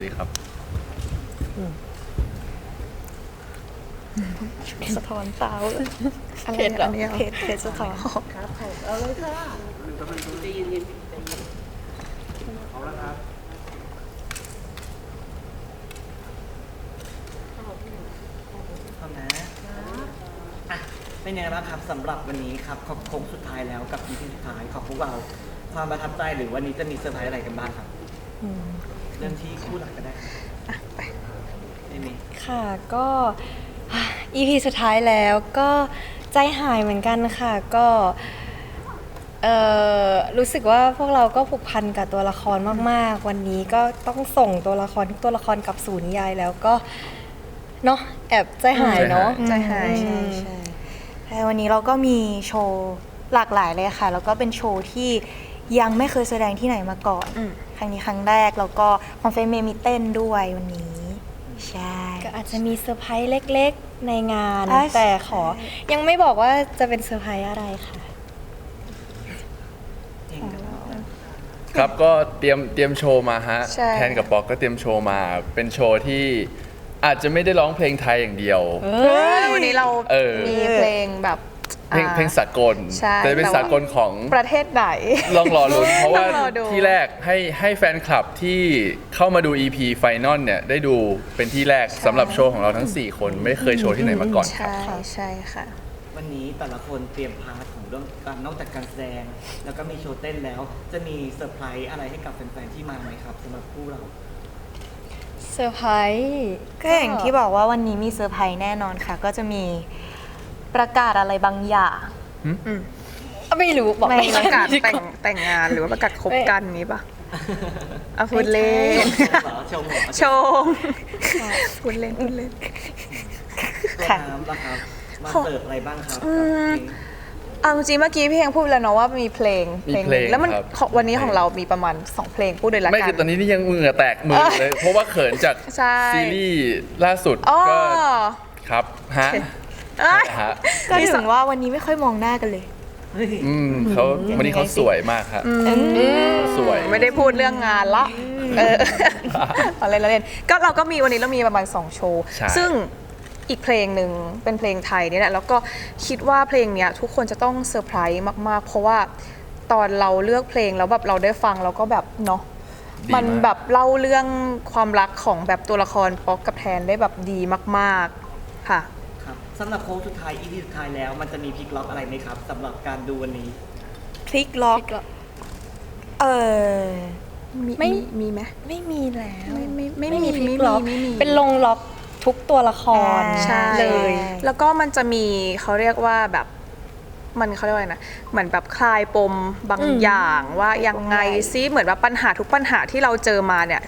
ดีครับสะท้อนตาอะไรเพจเหรอเพจสะท้อนครับเอาเลยค่ะใจเย็นเอาละครับพร้อมนะอ่ะเป็นยังไงบ้างครับสำหรับวันนี้ครับโค้งสุดท้ายแล้วกับ EP สุดท้ายของพวกเราความประทับใจหรือวันนี้จะมีเซอร์ไพรส์อะไรกันบ้างครับเริ่มที่คู่หลักก็ได้ครับได้ไหมค่ะก็ EP สุดท้ายแล้วก็ใจหายเหมือนกันค่ะก็รู้สึกว่าพวกเราก็ผูกพันกับตัวละครมากๆวันนี้ก็ต้องส่งตัวละครทุกตัวละครกลับสู่นิยายแล้วก็เนาะแอบใจหายเนาะใจหายใช่วันนี้เราก็มีโชว์หลากหลายเลยค่ะ แล้วก็เป็นโชว์ที่ยังไม่เคยแสดงที่ไหนมาก่อนครั้งนี้ครั้งแรกแล้วก็ของเฟรมเมย์มีเต้นด้วยวันนี้ใช่ก็อาจจะมีเซอร์ไพรส์เล็กๆในงานอ่ะแต่ยังไม่บอกว่าจะเป็นเซอร์ไพรส์อะไรค่ะเองกับเราครับก็เตรียมโชว์มาฮะใช่แทนกับปอกก็เตรียมโชว์มาเป็นโชว์ที่อาจจะไม่ได้ร้องเพลงไทยอย่างเดียววันนี้เรา มีเพลงแบบเพลงสากลใช่แต่เป็นสากลของประเทศไหนลองรอลุ้นเพราะว่าต้องรอดูที่แรกให้แฟนคลับที่เข้ามาดู EP Final เนี่ยได้ดูเป็นที่แรกสำหรับโชว์ของเราทั้ง 4 คนไม่เคยโชว์ที่ไหนมาก่อนครับใช่ค่ะวันนี้แต่ละคนเตรียมพาร์ทของเรื่องการนอกจากการแสดง แล้วก็มีโชว์เต้นแล้ว จะมีเซอร์ไพรส์อะไรให้กับแฟนๆที่มาไหมครับสำหรับคู่เราเซอร์ไพรส์ก็อย่างที่บอกว่าวันนี้มีเซอร์ไพรส์แน่นอนค่ะ ก็จะมีประกาศอะไรบางอย่างไม่รู้บอกไม่ไม่ประกาศดีว่แต่งงานหรือว่าประกาศคบกันนี้ปะเอาพูดเล่นชมเหรอชมพูดเล่นตัวค่ะน้ำล่ะครับ มาเสิร์ฟอะไรบ้างครับเอาจริงๆเมื่อกี้พี่เองพูดแล้วเนาะว่ามีเพลงมีเพลงแล้วมันครับของวันนี้ของเรามีประมาณ 2 เพลงพูดเลยละไม่กัคือตอนนี้นี่ยังมือแตกมือเลย เพราะว่าเขินจากใช่ซีรีส์ล่าสุดอ๋อก็ครับฮะเอ้ยฮะก็ถึงว่าวันนี้ไม่ค่อยมองหน้ากันเลยเขาวันนี้เขาสวยมากครับสวยไม่ได้พูดเรื่องงานละอะไรละเล่นก็เราก็มีวันนี้เรามีประมาณ2โชว์ใช่ซึ่งอีกเพลงหนึ่งเป็นเพลงไทยนี่แหละแล้วก็คิดว่าเพลงเนี้ยทุกคนจะต้องเซอร์ไพรส์มากๆ เพราะว่าตอนเราเลือกเพลงแล้วแบบเราได้ฟังเราก็แบบเนาะดีมันมากแบบเล่าเรื่องความรักของแบบตัวละครป๊อกกับแทนได้แบบดีมากๆค่ะครับสำหรับโค้งสุดท้าย EP สุดท้ายแล้ว มันจะมีพลิกล็อกอะไรไหมครับสำหรับการดูวันนี้พลิกล็อก เออมีไหมไม่มีแล้วไม่ไม่มีมีพลิกล็อกไม่มีเป็นลงล็อกทุกตัวละครอ่าใช่เลยแล้วก็มันจะมีเขาเรียกว่าแบบมันเขาเรียกว่าอะไรนะเหมือนแบบคลายปมบางอย่างว่ายังไงซิเหมือนแบบปัญหาทุกปัญหาที่เราเจอมาเนี่ย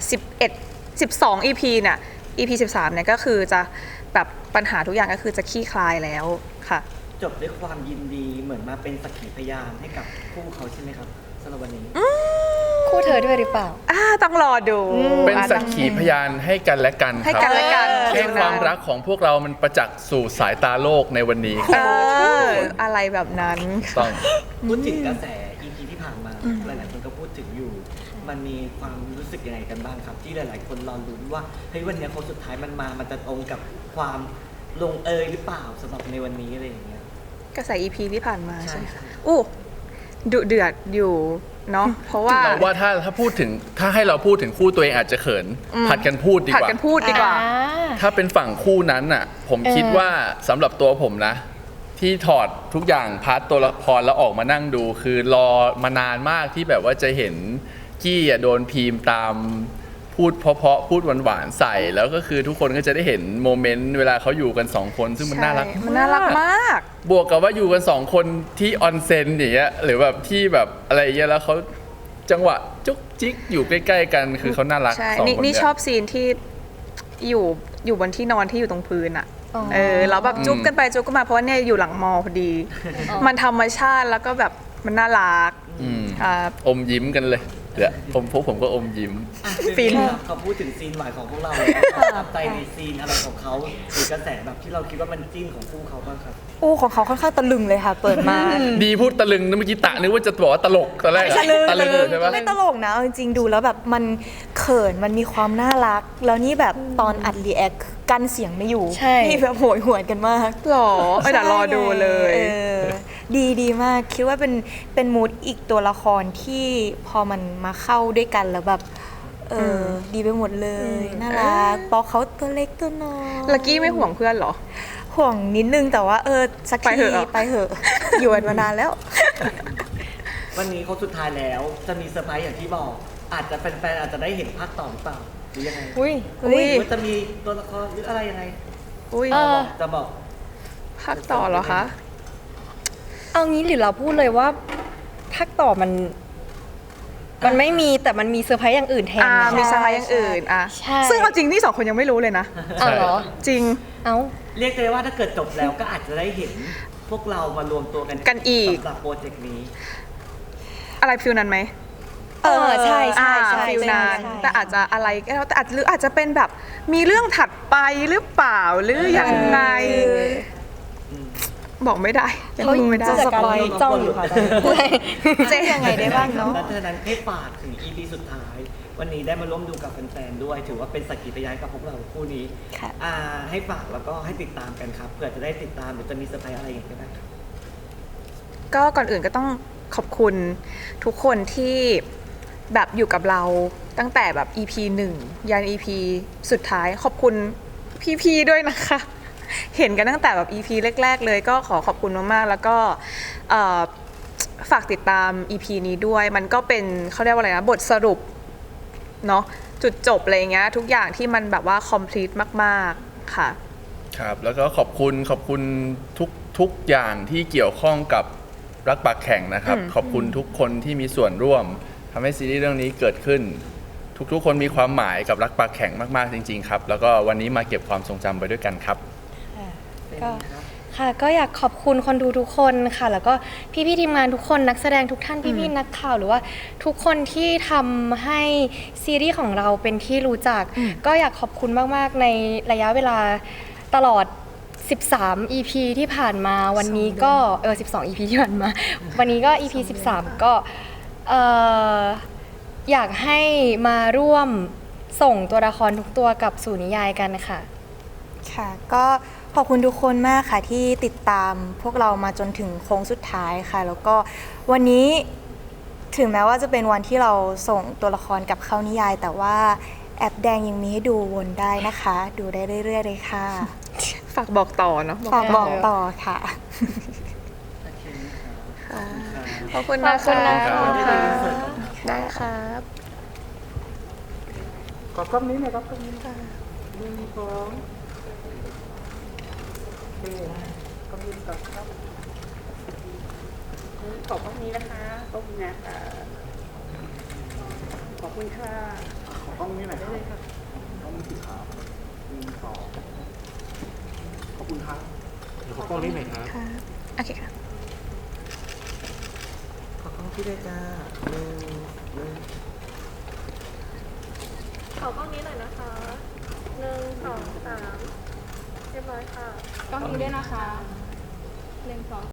12 EP เนี่ย EP 13เนี่ยก็คือจะแบบปัญหาทุกอย่างก็คือจะคลี่คลายแล้วค่ะจบด้วยความยินดีเหมือนมาเป็นสักขีพยานให้กับคู่เขาใช่ไหมครับสำหรับวันนี้คู่เธอด้วยหรือเปล่าต้องรอดูเป็นสักขีพยานให้กันและกันให้คกัรันและกันให้ความรักของพวกเรามันประจักษ์สู่สายตาโลกในวันนี้คเอรับอะไรแบบนั้นต้องพูดถึงกระแส EP ที่ผ่านมา หลายๆคนก็พูดถึงอยู่ มันมีความรู้สึกยังไงกันบ้างครับ ที่หลาย ๆ คนรอลุ้นว่าเฮ้ยวันนี้โค้งสุดท้ายมันจะตรงกับความลงเอยหรือเปล่าสำหรับในวันนี้อะไรอย่างเงี้ยกระแส EP ที่ผ่านมาใช่ไหมใช่อู้ดุเดือดอยู่เนาะเพราะว่าเราว่าถ้าพูดถึงถ้าให้เราพูดถึงคู่ตัวเองอาจจะเขิน ผัดกันพูดดีผัดกว่ากันพูดดีกว่าถ้าเป็นฝั่งคู่นั้นน่ะ ผมคิดว่าสำหรับตัวผมนะ ที่ถอดทุกอย่างพาร์ทตัวละครแล้วออกมานั่งดู คือรอมานานมากที่แบบว่าจะเห็นกี้อ่ะโดนพีมตามพูดเพราะๆพูดหวานๆใส่ แล้วก็คือทุกคนก็จะได้เห็นโมเมนต์เวลาเขาอยู่กันสองคนซึ่งมันน่ารักใช่มันน่ารักมากบวกกับว่าอยู่กันสองคนที่ออนเซ็นอย่างเงี้ยหรือแบบที่แบบอะไรอย่างเงี้ยแล้วเขาจังหวะจุกจิกอยู่ใกล้ๆกันคือเขาน่ารักใช่สองคนนี่เนี่ยชอบซีนที่อยู่บนที่นอนที่อยู่ตรงพื้นอ่ะอ๋อแล้วแบบจุ๊บกันไปจุ๊บกันมาเพราะว่าเนี่ยอยู่หลังมอพอดี มันธรรมชาติแล้วก็แบบมันน่ารักอืมครับอมยิ้มกันเลยเดี๋ยวพวกผมก็อมยิ้มฟินครับเขาพูดถึงซีนใหม่ของพวกเราแล้วประทับใจในซีนอะไรของเขาหรือกระแสแบบที่เราคิดว่ามันจิ้นของคู่เขาบ้างครับโอ้ของเขาค่อนข้างตะลึงเลยค่ะ เปิดมาดีพูดตะลึงนะเมื่อกี้ตะนึกว่าจะบอกว่าตะลกตอนแรกอะตะลึงอยู่ใช่ปะไม่ตลกนะเอาจริงๆดูแล้วแบบมันขขินมันมีความน่ารัก แล้วนี่แบบตอนอัดรีแอคกั้นเสียงไม่อยู่ใช่นี่แบบโหยหวนกันมากหรอเดี๋ยวรอดูเลยเออดีมากคิดว่าเป็นมูดอีกตัวละครที่พอมันมาเข้าด้วยกันแล้วแบบดีไปหมดเลยน่ารักป๊อกเขาตัวเล็กตัวน้อยลักกี้ไม่ห่วงเพื่อนเหรอห่วงนิดนึงแต่ว่าสักไปทีเถอะไปเหอะ อยู่กันมานานแล้ววันนี้เขาสุดท้ายแล้วจะมีเซอร์ไพรส์อย่างที่บอก อาจจะแฟนๆอาจจะได้เห็นภาคต่อหรือเปล่าหรือยังไงอุ้ยอุ้ยหรือว่าจะมีตัวละครหรืออะไรยังไงอุ้ยจะบอกภาคต่อเหรอคะเอางี้หรือเราพูดเลยว่าภาคต่อมันไม่มีแต่มันมีเซอร์ไพรส์อย่างอื่นแทนนะมีสไลด์อย่างอื่นอ่ะใช่ซึ่งเอาจริงนี่2 คนยังไม่รู้เลยนะอ้าวเหรอจริงเอ้าเรียกได้ว่าถ้าเกิดจบแล้วก็อาจจะได้เห็นพวกเรามารวมตัวกันกันอีกสำหรับโปรเจกต์นี้อะไรฟิลนั้นไหมใช่ใช่อ่าใช่ฟิลนั้นใช่แต่อาจจะอะไรก็แล้วแต่อาจจะเป็นแบบมีเรื่องถัดไปหรือเปล่าหรือยังไง บอกไม่ได้ยังรู้ไม่ได้จะสปอยจ้องอยู่ค่ะตอนนี้เจ๊ยังไงได้บ้างเนาะและเธอนั้นให้ฝากถึง EP สุดท้าย วันนี้ได้มาร่วมดูกับแฟนๆด้วย ถือว่าเป็นสักขีพยานกับพวกเราคู่นี้ค่ะให้ฝากแล้วก็ให้ติดตามกันครับเผื่อจะได้ติดตามหรือจะมีเซอร์ไพรส์อะไรอย่างเงี้ยก็ได้ครับก็ก่อนอื่นก็ต้องขอบคุณทุกคนที่แบบอยู่กับเราตั้งแต่แบบ EP 1 ยัน EP สุดท้ายขอบคุณพี่ๆด้วยนะคะ เห็นกันตั้งแต่แบบ EP แรกๆเลยก็ขอบคุณมากๆแล้วก็ฝากติดตาม EP นี้ด้วย มันก็เป็นเขาเรียกว่าอะไรนะบทสรุปเนาะจุดจบอะไรเงี้ยทุกอย่างที่มันแบบว่า complete มากๆค่ะครับแล้วก็ขอบคุณทุกอย่างที่เกี่ยวข้องกับรักปากแข่งนะครับ ขอบคุณทุกคนที่มีส่วนร่วมทำให้ซีรีส์เรื่องนี้เกิดขึ้น ทุกคนมีความหมายกับรักปากแข่งมากๆจริงๆครับแล้วก็วันนี้มาเก็บความทรงจำไปด้วยกันครับก็ค่ะก็อยากขอบคุณคนดูทุกคนค่ะ แล้วก็พี่ๆทีมงานทุกคนนักแสดงทุกท่านพี่ๆนักข่าวหรือว่าทุกคนที่ทำให้ซีรีส์ของเราเป็นที่รู้จัก ก็อยากขอบคุณมากๆในระยะเวลาตลอด 13 EP ที่ผ่านมาวันนี้ก็12 EP ที่ผ่านมา วันนี้ก็ EP 13 ก็อยากให้มาร่วมส่งตัวละครทุกตัวกลับสู่นิยายกันค่ะค่ะก็ขอบคุณทุกคนมากค่ะที่ติดตามพวกเรามาจนถึงโค้งสุดท้ายค่ะ แล้วก็วันนี้ถึงแม้ว่าจะเป็นวันที่เราส่งตัวละครกลับเข้านิยาย แต่ว่าแอปแดงยังมีให้ดูวนได้นะคะ ดูได้เรื่อยๆเลยค่ะฝากบอกต่อเนาะฝากบอกต่อค่ะโอเคนะครับขอบคุณขนะอบคุณคะนะคะคนที่ได้ยินเสียงกันครับได้ครับขอกล้องนี้หน่อยครับกล้องนี้ค่ะ1 2โอเคกล้องนี้ก่อนครับขอบกล้องนี้นะคะกล้องนี้นะคะขอบคุณค่ะขอกล้องนี้หน่อยได้เลยค่ะกล้องนี้สีขาว1 2ขอบคุณครับเดี๋ยวขอกล้องนี้หน่อยครับโอเคค่ะขอบคุณพี่ด้วยจ้าหนึ่งขอกล้องนี้หน่อยนะคะ1 2 3เรียบร้อยค่ะ กล้องนี้ด้วยนะคะ1 2